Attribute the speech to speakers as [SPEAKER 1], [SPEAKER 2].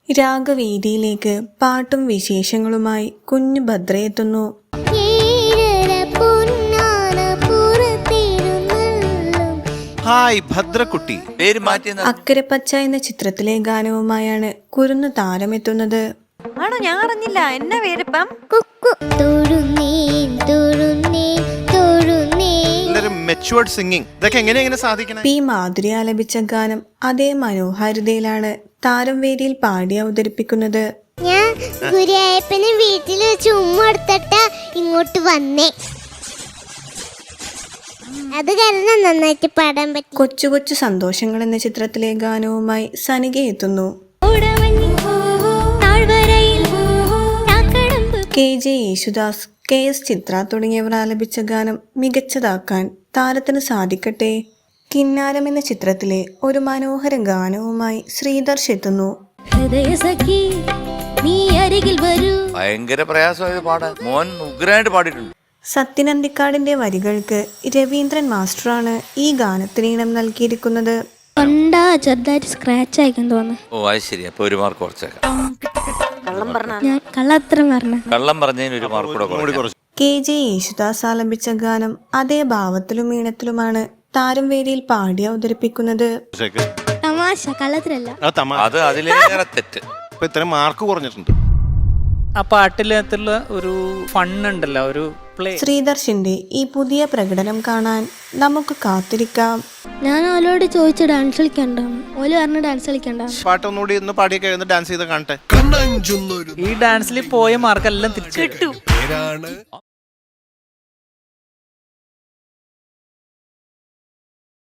[SPEAKER 1] രാഗവേദിയിലേക്ക് പാട്ടും വിശേഷങ്ങളുമായി കുഞ്ഞു ഭദ്രയെത്തുന്നു.
[SPEAKER 2] ഹായ് ഭദ്രക്കുട്ടി.
[SPEAKER 3] പേര് മാറ്റി
[SPEAKER 1] അക്കരപ്പച്ച എന്ന ചിത്രത്തിലെ ഗാനവുമായാണ് കുരുന്നു താരമെത്തുന്നത്.
[SPEAKER 4] ആണോ? ഞാൻ അറിഞ്ഞില്ല. എന്നാ പേരിപ്പം?
[SPEAKER 2] Matured singing. ഇതൊക്കെ എങ്ങനെ സാധിക്കണേ?
[SPEAKER 1] പി മാധുരി ആലപിച്ച ഗാനം അതേ മനോഹാരിതയിലാണ് താരം വേദിയിൽ പാടി അവതരിപ്പിക്കുന്നത്.
[SPEAKER 5] ഞാൻ ഗുരുവായൂരപ്പനെ വീട്ടിൽ വെച്ച് ഉമ്മ എടുത്തിട്ട് ഇങ്ങോട്ട് വന്നേ. അത് കാരണം നന്നായിട്ട് പാടാൻ പറ്റി.
[SPEAKER 1] കൊച്ചു കൊച്ചു സന്തോഷങ്ങൾ എന്ന ചിത്രത്തിലെ ഗാനവുമായി സനിക എത്തുന്നു. KJ യേശുദാസ്, KS ചിത്ര തുടങ്ങിയവർ ആലപിച്ച ഗാനം മികച്ചതാക്കാൻ താരത്തിന് സാധിക്കട്ടെ. കിന്നാരം എന്ന ചിത്രത്തിലെ ഒരു മനോഹര ഗാനവുമായി ശ്രീധർഷ് എത്തുന്നു.
[SPEAKER 3] ഭയങ്കര പ്രയാസമായത് പാടാൻ. മോൻ ഉഗ്രായിട്ട് പാടിയിട്ടുണ്ട്.
[SPEAKER 1] സത്യനന്ദിക്കാടിന്റെ വരികൾക്ക് രവീന്ദ്രൻ മാസ്റ്ററാണ് ഈ ഗാനത്തിന് ഈണം നൽകിയിരിക്കുന്നത്.
[SPEAKER 5] ചെറുതായിട്ട് സ്ക്രാച്ച് ആയിക്കാൻ തോന്നുന്നു.
[SPEAKER 3] ഓ അത് ശരി. അപ്പൊ ഒരു മാർക്ക് കുറച്ചേക്കാം.
[SPEAKER 5] ഞാൻ
[SPEAKER 3] കള്ളം പറഞ്ഞതിന് ഒരു മാർക്ക് കൂടെ കുറച്ച്.
[SPEAKER 1] KJ യേശുദാസ് ആലപിച്ച ഗാനം അതേ ഭാവത്തിലും ഈണത്തിലുമാണ് താരം വേദിയിൽ പാടി അവതരിപ്പിക്കുന്നത്.
[SPEAKER 5] തമാശ, കള്ളത്തിലല്ല.
[SPEAKER 3] അത് അതിലേറെ തെറ്റ്.
[SPEAKER 2] ഇത്രയും മാർക്ക് കുറഞ്ഞിട്ടുണ്ട്.
[SPEAKER 6] ആ പാട്ടിലുള്ള ഒരു ഫണ്ണുണ്ടല്ലോ, ഒരു പ്ലേ.
[SPEAKER 1] ശ്രീധർഷിന്റെ ഈ പുതിയ പ്രകടനം കാണാൻ നമുക്ക് കാത്തിരിക്കാം.
[SPEAKER 5] ഞാൻ ഓലോട് ചോദിച്ചു ഡാൻസ് കളിക്കണ്ടാണ്. ഓല് പറഞ്ഞ ഡാൻസ് കളിക്കണ്ട.
[SPEAKER 2] പാട്ടൊന്നുകൂടി ഒന്ന് പാടിയൊക്കെ ഡാൻസ് ചെയ്ത് കാണട്ടെ.
[SPEAKER 6] ഈ ഡാൻസിൽ പോയ മാർക്കെല്ലാം തിരിച്ചു കിട്ടും.